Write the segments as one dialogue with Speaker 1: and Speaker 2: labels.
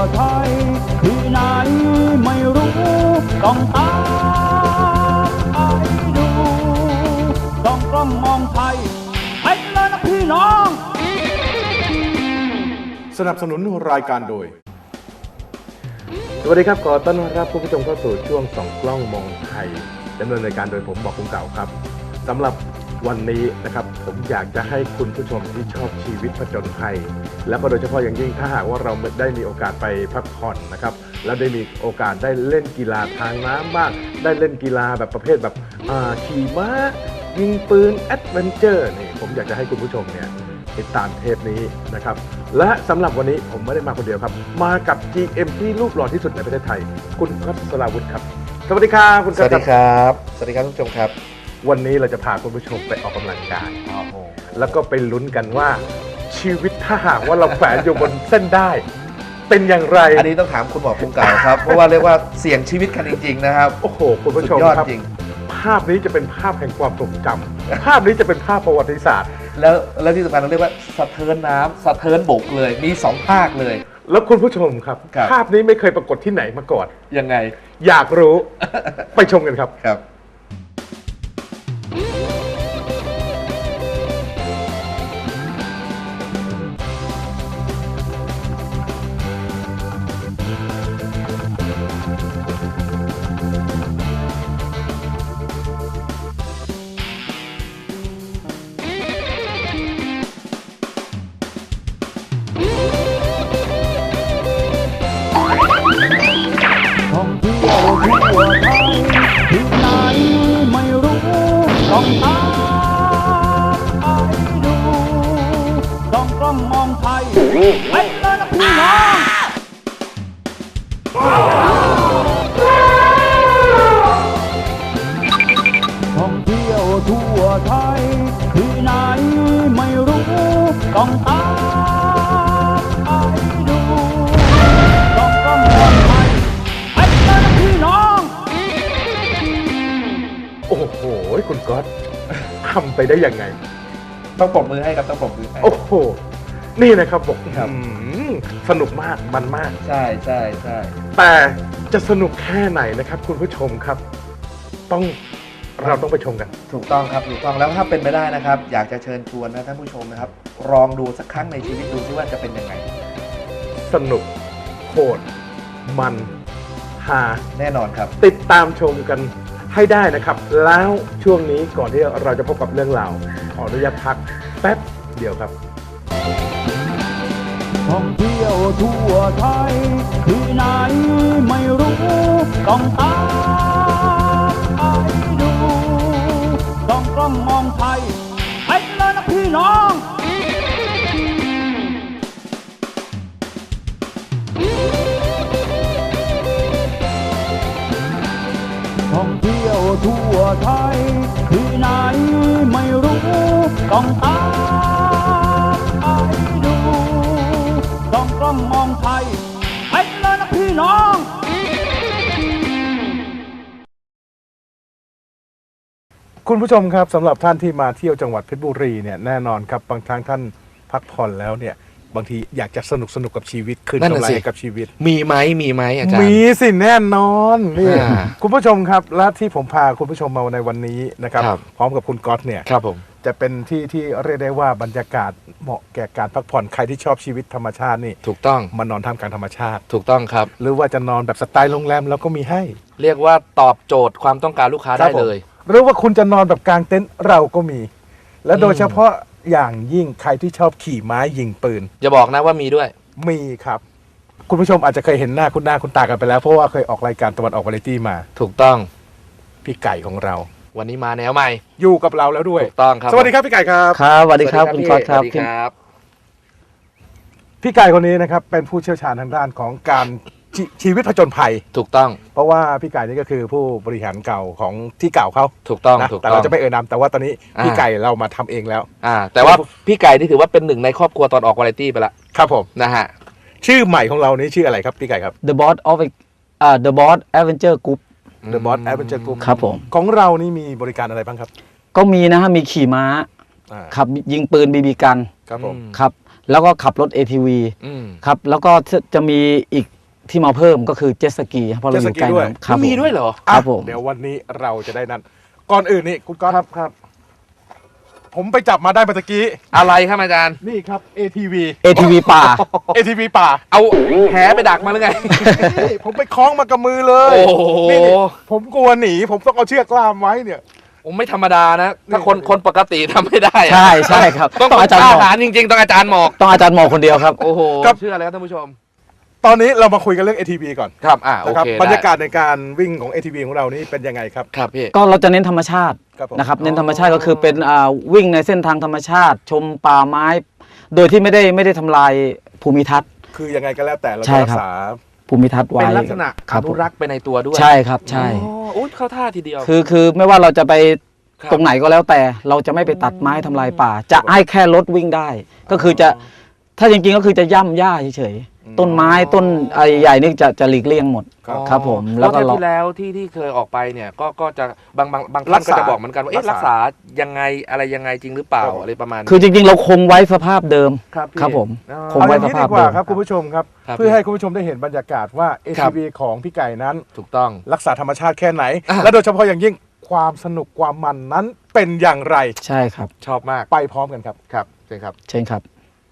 Speaker 1: ไทยที่ไหนไม่รู้ต้องตามไปดูต้องกล้องมองไทยไปเลยนะพี่น้อง
Speaker 2: สนับสนุนรายการโดยสวัสดีครับขอต้อนรับผู้ชมเข้าสู่ช่วงส่องกล้องมองไทยดำเนินรายการโดยผมบอกคุณเก่าครับสำหรับวันนี้นะครับผมอยากจะให้คุณผู้ชมที่ชอบชีวิตผจญภัยและโดยเฉพาะอย่างยิ่งถ้าหากว่าเราได้มีโอกาสไปพักผ่อนนะครับแล้วได้มีโอกาสได้เล่นกีฬาทางน้ำบ้างได้เล่นกีฬาแบบประเภทแบบขี่ม้ายิงปืนแอดเวนเจอร์นี่ผมอยากจะให้คุณผู้ชมเนี่ยติดตามเทปนี้นะครับและสำหรับวันนี้ผมไม่ได้มาคนเดียวครับมากับ GM ที่รูปหล่อที่สุดในประเทศไทยคุณก๊อต สราวุธครับสวัสดีครับคุณก๊อต
Speaker 3: สวัสดีครับสวัสดีครับทุกผู้ชมครับ
Speaker 2: วันนี้เราจะพาคุณผู้ชมไปออกกำลังกายแล้วก็ไปลุ้นกันว่าชีวิตถ้าหากว่าเราแฝงอยู่บนเส้นได้เป็นอย่างไร
Speaker 3: อันนี้ต้องถามคุณหมอภูมิเก่าครับ เพราะว่าเรียกว่าเสี่ยงชีวิตกันจริงๆนะครับ
Speaker 2: โอ้โหคุณผู้ชมครับภาพนี้จะเป็นภาพแห่งความทรงจำภาพนี้จะเป็นภาพประวัติศาสตร์
Speaker 3: แล้วที่สำคัญเราเรียกว่าสะเทินน้ำสะเทินบกเลยมี2ภาคเลย
Speaker 2: แล้วคุณผู้ชมครับภาพนี้ไม่เคยปรากฏที่ไหนมาก่อน
Speaker 3: ยังไง
Speaker 2: อยากรู้ ไปชมกันครับ
Speaker 3: ครับ
Speaker 1: ท่องเที่ยวทั่วไทยที่ไหนไม่รู้ต้องตามไปดูต้องกล้องมองไทยไปเลยนะพี่น้องท่องเที่ยวทั่วไทยที่ไหนไม่รู้ต้องตามไปดูต้องกล้องมองไทยไปเลยนะพี่น้อง
Speaker 2: โอ้โหคุณก๊อตทำไปได้ยังไง
Speaker 3: ต้องปรบมือให้ครับต้องปรบมือให้
Speaker 2: โอ้โหนี่นะครับบอกสนุกมากมันมาก
Speaker 3: ใช่ใช่ใช่
Speaker 2: แต่จะสนุกแค่ไหนนะครับคุณผู้ชมครับเราต้องไปชมกัน
Speaker 3: ถูกต้องครับถูกต้องแล้วถ้าเป็นไปได้นะครับอยากจะเชิญชวนนะท่านผู้ชมนะครับลองดูสักครั้งในชีวิตดูซิว่าจะเป็นยังไง
Speaker 2: สนุกโหดมันฮา
Speaker 3: แน่นอนครับ
Speaker 2: ติดตามชมกันให้ได้นะครับแล้วช่วงนี้ก่อนที่เราจะพบกับเรื่องราวขออนุญาตพักแป๊บเดียวครับ
Speaker 1: ท่องเที่ยวทั่วไทยที่ไหนไม่รู้ต้องตามไปดูต้องกล้องมองไทยไปเลยนะพี่น้องท่องเที่ยวทั่วไทยที่ไหนไม่รู้ต้องตามไปดูต้องกล้องมองไทยไปเลยนะพี่น้อง
Speaker 2: คุณผู้ชมครับสำหรับท่านที่มาเที่ยวจังหวัดเพชรบุรีเนี่ยแน่นอนครับบางครั้งท่านพักผ่อนแล้วเนี่ยบางทีอยากจะสนุกกับชีวิตคืนกำไรกับชีวิต
Speaker 3: มีไหมอาจารย์
Speaker 2: มีสิแน่นอนนี่คุณผู้ชมครับและที่ผมพาคุณผู้ชมมาในวันนี้นะครับพร้อมกับคุณก๊อตเนี่ย
Speaker 3: ครับผม
Speaker 2: จะเป็นที่เรียกได้ว่าบรรยากาศเหมาะแก่การพักผ่อนใครที่ชอบชีวิตธรรมชาตินี่
Speaker 3: ถูกต้อง
Speaker 2: มานอนท่ามกลางธรรมชาติ
Speaker 3: ถูกต้องครับ
Speaker 2: หรือว่าจะนอนแบบสไตล์โรงแรมแล้วก็มีให้
Speaker 3: เรียกว่าตอบโจทย์ความต้องการลูกค้าได้เลย
Speaker 2: หรือว่าคุณจะนอนแบบกลางเต็นท์เราก็มีและโดยเฉพาะอย่างยิ่งใครที่ชอบขี่ม้ายิงปืน
Speaker 3: อย่าบอกนะว่ามีด้วย
Speaker 2: มีครับคุณผู้ชมอาจจะเคยเห็นหน้าคุณตากันไปแล้วเพราะว่าเคยออกรายการตะวันออกวาไรตี้มา
Speaker 3: ถูกต้อง
Speaker 2: พี่ไก่ของเรา
Speaker 3: วันนี้มาแนวใหม่
Speaker 2: อยู่กับเราแล้วด้วย
Speaker 3: ถูกต้องครับ
Speaker 2: สวัสดีครับพี่ไก่ครับ
Speaker 3: ครับสวัสดีครับคุณก๊อตครับ
Speaker 2: พี่ไก่คนนี้นะครับเป็นผู้เชี่ยวชาญทางด้านของการชีวิตผจญภัย
Speaker 3: ถูกต้อง
Speaker 2: เพราะว่าพี่ไก่นี่ก็คือผู้บริหารเก่าของที่เก่าเขา
Speaker 3: ถูกต้อง
Speaker 2: แต่เราจะไม่เอ่ยนามแต่ว่าตอนนี้พี่ไก่เรามาทำเองแล้ว
Speaker 3: แต่ว่าพี่ไก่นี่ถือว่าเป็นหนึ่งในครอบครัวตอนออกวาไรตี้ไปละ
Speaker 2: ครับผม
Speaker 3: นะฮะ
Speaker 2: ชื่อใหม่ของเรานี้ชื่ออะไรครับพี่ไก่ครับ
Speaker 4: The Boss Adventure Group
Speaker 2: The Boss Adventure Group
Speaker 4: ครับผม
Speaker 2: ของเรานี่มีบริการอะไรบ้างครับ
Speaker 4: ก็มีนะฮะมีขี่ม้าขับยิงปืนบีบีกัน
Speaker 2: ครับผม
Speaker 4: ครับแล้วก็ขับรถ ATV ครับแล้วก็จะมีอีกที่มาเพิ่มก็คือเจ็ตสกีเพราะเราอยู่ใกล้
Speaker 2: เจ็ตสกีด้วย
Speaker 4: น้ำครับ
Speaker 3: มีด้วยเหรอ
Speaker 4: ครับผม
Speaker 2: เดี๋ยววันนี้เราจะได้นั่นก่อนอื่นนี่คุณก๊อต
Speaker 3: ครับ
Speaker 2: ผมไปจับมาได้เมื่อกี้
Speaker 3: อะไรครับอาจารย์
Speaker 2: นี่ครับ ATV
Speaker 4: ATV ป่า
Speaker 2: ATV ป่า
Speaker 3: เอาแหไปดักมาหรือไง
Speaker 2: นี่ผมไปคล้องมากับมือเลย
Speaker 3: โอ้โห
Speaker 2: นี่ผมกลัวหนีผมต้องเอาเชือกล่ามไว้เนี่ย
Speaker 3: ผมไม่ธรรมดานะ ถ้าคนปกติทำไม่ได้อะ
Speaker 4: ใช่ใช่ครับ
Speaker 3: ต้อง
Speaker 4: อาจารย์หมอก
Speaker 3: ทหารจริงๆต้องอาจารย์หมอก
Speaker 4: ต้องอาจารย์หมอกคนเดียวครับ
Speaker 3: โอ้โห
Speaker 2: ครับ
Speaker 3: เชื่อเลยครับท่านผู้ชม
Speaker 2: ตอนนี้เรามาคุยกันเรื่อง ATV ก่อน
Speaker 3: ครับโอ
Speaker 2: นะครับ
Speaker 3: เค
Speaker 2: บรรยากาศในการวิ่งของ ATV ของเรานี่เป็นยังไงครับ
Speaker 3: ครับพี่
Speaker 4: ก็เราจะเน้นธรรมชาติ
Speaker 2: ครับผม
Speaker 4: นะครับเน้นธรรมชาติก็คือเป็นวิ่งในเส้นทางธรรมชาติ ชมป่าไม้ โดยที่ไม่ได้ทำลายภูมิทัศน์
Speaker 2: คือยังไงก็แล้วแต่เรา
Speaker 4: ใช่
Speaker 2: จะรั
Speaker 4: ครั
Speaker 2: ก
Speaker 4: บ
Speaker 2: ษา
Speaker 4: ภูมิทัศน์ไว้
Speaker 3: เป็นลักษณะ
Speaker 4: ค
Speaker 3: อ
Speaker 4: รับ
Speaker 3: นุรักษ์ไปในตัวด้วย
Speaker 4: ใช่ครับใช่
Speaker 3: โอ้เข้าท่าทีเดียว
Speaker 4: คือไม่ว่าเราจะไป
Speaker 3: ครับ
Speaker 4: ตรงไหนก็แล้วแต่เราจะไม่ไปตัดไม้ทำลายป่า จะให้แค่รถวิ่งได้ ก็คือจะถ้าจริงๆก็คือจะย่ำหญ้าเฉยๆต้นไม้ต้นใหญ่นี่จะหลีกเลี่ยงหมด ครับผม
Speaker 3: แล้
Speaker 4: แล้ว วก็
Speaker 3: เทป
Speaker 4: เรา
Speaker 3: ที่แล้วที่เคยออกไปเนี่ยก็จะบาง
Speaker 2: รั
Speaker 3: ท่าน
Speaker 2: ก
Speaker 3: ก็
Speaker 2: ษา
Speaker 3: จะบอกเหมือนกันว่าเอ๊ะ
Speaker 2: รั
Speaker 3: รั
Speaker 2: ก
Speaker 3: ก
Speaker 2: ษา
Speaker 3: ษายังไงอะไรยังไงจริงหรือเปล่า
Speaker 2: ครับผม
Speaker 3: อะไรประมาณนี้
Speaker 4: คือจริงๆ เราคงไว้สภาพเดิม
Speaker 3: ครับพี่
Speaker 4: ครับผม
Speaker 3: อ๋อ
Speaker 4: คง
Speaker 2: เอา
Speaker 4: ไว้
Speaker 2: อย่างนี้
Speaker 4: สภา
Speaker 2: ดี
Speaker 4: พ
Speaker 2: กว่า
Speaker 4: เดิม
Speaker 2: ครับคุณผู้ชมครับ
Speaker 3: ครับ
Speaker 2: เพื่อให้คุณผู้ชมได้เห็นบรรยากาศว่า
Speaker 3: ครับ
Speaker 2: ATV ของพี่ไก่นั้น
Speaker 3: ถูกต้อง
Speaker 2: รักษาธรรมชาติแค่ไหน
Speaker 3: อ่ะ
Speaker 2: และโดยเฉพาะอย่างยิ่งความสนุกความมันนั้นเป็นอย่างไร
Speaker 4: ใช่ครับ
Speaker 3: ชอบมาก
Speaker 2: ไปพร้อมกันครับ
Speaker 3: ครับเชิญครับ
Speaker 4: เช่นครับ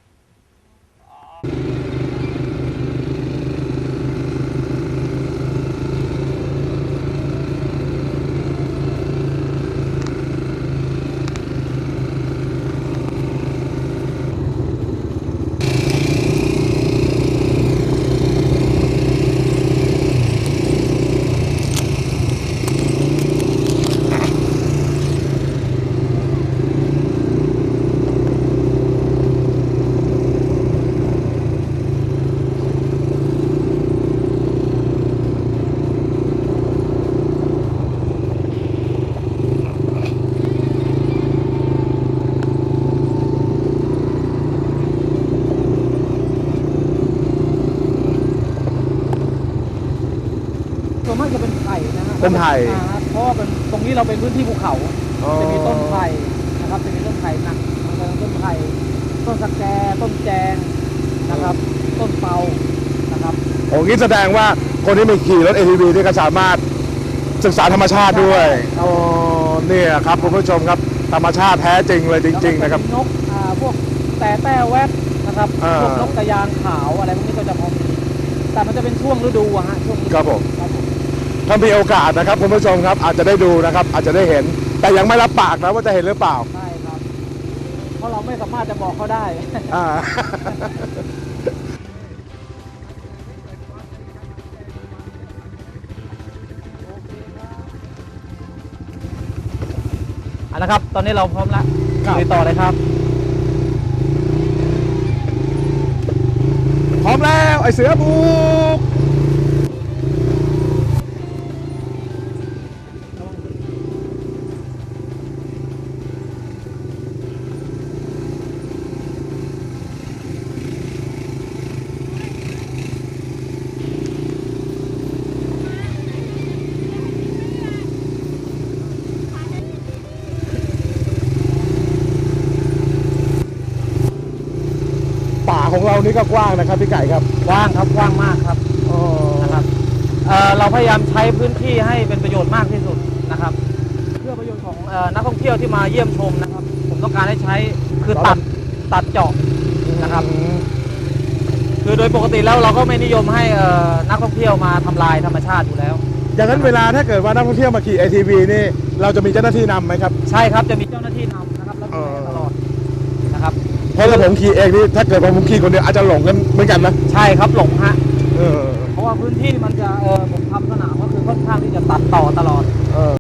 Speaker 5: ส่วนมากจะเป็นไผ่นะฮะ
Speaker 2: เป็นไผ่
Speaker 5: เพราะว่าเป็นตรงนี้เราเป็นพื้นที่ภูเขา จะมีต้นไผ่นะครับ จะมีต้นไผ่หนักต้นไผ่ต้นสะแกต้นแจงนะครับ ต้นเปานะครับ
Speaker 2: โอ้งี้แสดงว่าคนที่มีขี่รถ ATV นี่ก็สามารถศึกษาธรรมชาติด้วยอ๋อเนี่ยครับคุณผู้ชมครับธรรมชาติแท้จริงเลยจริง ๆ นะครับ
Speaker 5: แล้วก็จมีนกพวกแต่แต้แวดนะครับ
Speaker 2: อ่า
Speaker 5: พวกนกกระยางขาวอะไรพวกนี้ก็จะพอมีแต่มันจะเป็นช่วงฤดูอะฮะช่วงฤดู
Speaker 2: ครับผม
Speaker 5: ครับผม
Speaker 2: ถ้ามีโอกาสนะครับคุณผู้ชมครับอาจจะได้ดูนะครับ อาจจะได้เห็น แต่ยังไม่รับปากนะว่าจะเห็นหรือเปล่า
Speaker 5: ใช่ครับ เพราะเราไม่สามารถจะบอกเขาได้
Speaker 2: อ่า
Speaker 5: นะครับ ตอนนี้เราพร้อมแล้ว
Speaker 2: ครับ
Speaker 5: ไปต่อเลยครับ
Speaker 2: พร้อมแล้วไอเสือบุกป่าของเรานี่ก็กว้างนะครับพี่ไก่ครับ
Speaker 5: กว้างครับกว้างมากครับ
Speaker 2: อ๋อ
Speaker 5: นะครับเราพยายามใช้พื้นที่ให้เป็นประโยชน์มากที่สุดนะครับ เพื่อประโยชน์ของนักท่องเที่ยวที่มาเยี่ยมชมนะครับ ผมต้องการให้ใช้คือตัดเจาะนะครับ คือโดยปกติแล้วเราก็ไม่นิยมให้นักท่องเที่ยวมาทำลายธรรมชาติอยู่แล้ว
Speaker 2: อย่างนั้นเวลาถ้าเกิดว่านักท่องเที่ยวมาขี่ ATV นี่เราจะมีเจ้าหน้าที่นำไหมครับ
Speaker 5: ใช่ครับจะมีเจ้าหน้าที่นำนะครับแล้วดูแลตลอดนะครับ
Speaker 2: เพราะถ้าผมขี่เองนี่ถ้าเกิดว่าผมขี่คนเดียวอาจจะหลงกันเหมือนกันนะ
Speaker 5: ใช่ครับหลงฮะ
Speaker 2: เออ
Speaker 5: เพราะว่าพื้นที่มันจะผมทำสนามก็คือค่อนข้างที่จะตัดต่อตลอด